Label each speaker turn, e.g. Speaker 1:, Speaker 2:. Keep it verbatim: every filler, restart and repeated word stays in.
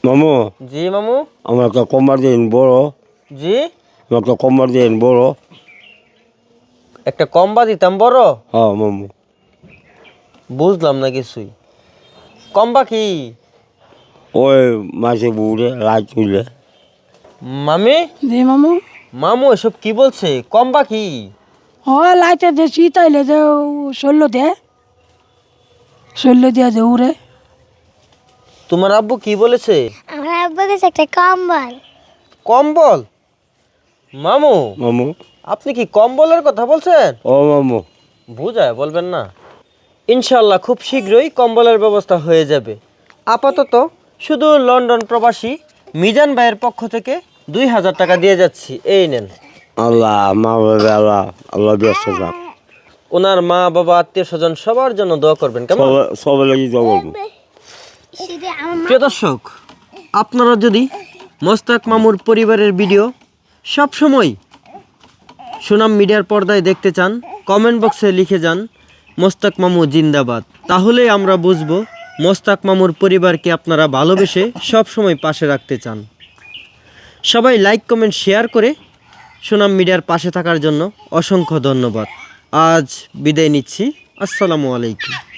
Speaker 1: মামু
Speaker 2: জি মামু।
Speaker 1: আমার একটা কম্বার দিন বড়।
Speaker 2: জি
Speaker 1: আমার একটা কম্বার দিন বড়।
Speaker 2: একটা কম্বা দিতাম বড়।
Speaker 1: হ্যাঁ মামু।
Speaker 2: বুঝলাম না কিছুই। কম্বা কি?
Speaker 1: ওই মাঝে বুড়ে লাইট তুলে।
Speaker 2: মামি।
Speaker 3: জি মামু।
Speaker 2: মামু এসব কি বলছে? কম্বা কি?
Speaker 3: ও লাইটে যে শীত আইলে যে শৈল্য দে শৈল্য দিয়া যে উড়ে।
Speaker 2: তোমার আব্বু কি বলেছে?
Speaker 4: আমার আব্বু দিছে একটা কম্বল।
Speaker 2: কম্বল? মামু
Speaker 1: মামু
Speaker 2: আপনি কি কম্বলের কথা বলছেন?
Speaker 1: ও মামু
Speaker 2: বুঝায় বলবেন না। ইনশাল্লাহ খুব শীঘ্রই কম্বলের ব্যবস্থা হয়ে যাবে। আপাতত শুধু লন্ডন প্রবাসী মিজান ভাইয়ের পক্ষ থেকে দুই হাজার টাকা দিয়ে যাচ্ছি, এই নেন।
Speaker 1: আল্লাহ মা বাবা আল্লাহ আল্লাহ ব্যস্ত থাক।
Speaker 2: ওনার মা বাবা আত্মীয় স্বজন সবার জন্য দোয়া করবেন কেমন?
Speaker 1: সবাই সবাই লাগি তো বলবো।
Speaker 2: প্রিয় দর্শক, আপনারা যদি মোস্তাক মামুর পরিবারের ভিডিও সব সময় সুনাম মিডিয়ার পর্দায় দেখতে চান, কমেন্ট বক্সে লিখে যান মোস্তাক মামু জিন্দাবাদ। তাহলেই আমরা বুঝবো মোস্তাক মামুর পরিবারকে আপনারা ভালোবেসে সব সময় পাশে রাখতে চান। সবাই লাইক কমেন্ট শেয়ার করে সুনাম মিডিয়ার পাশে থাকার জন্য অসংখ্য ধন্যবাদ। আজ বিদায় নিচ্ছি। আসসালামু আলাইকুম।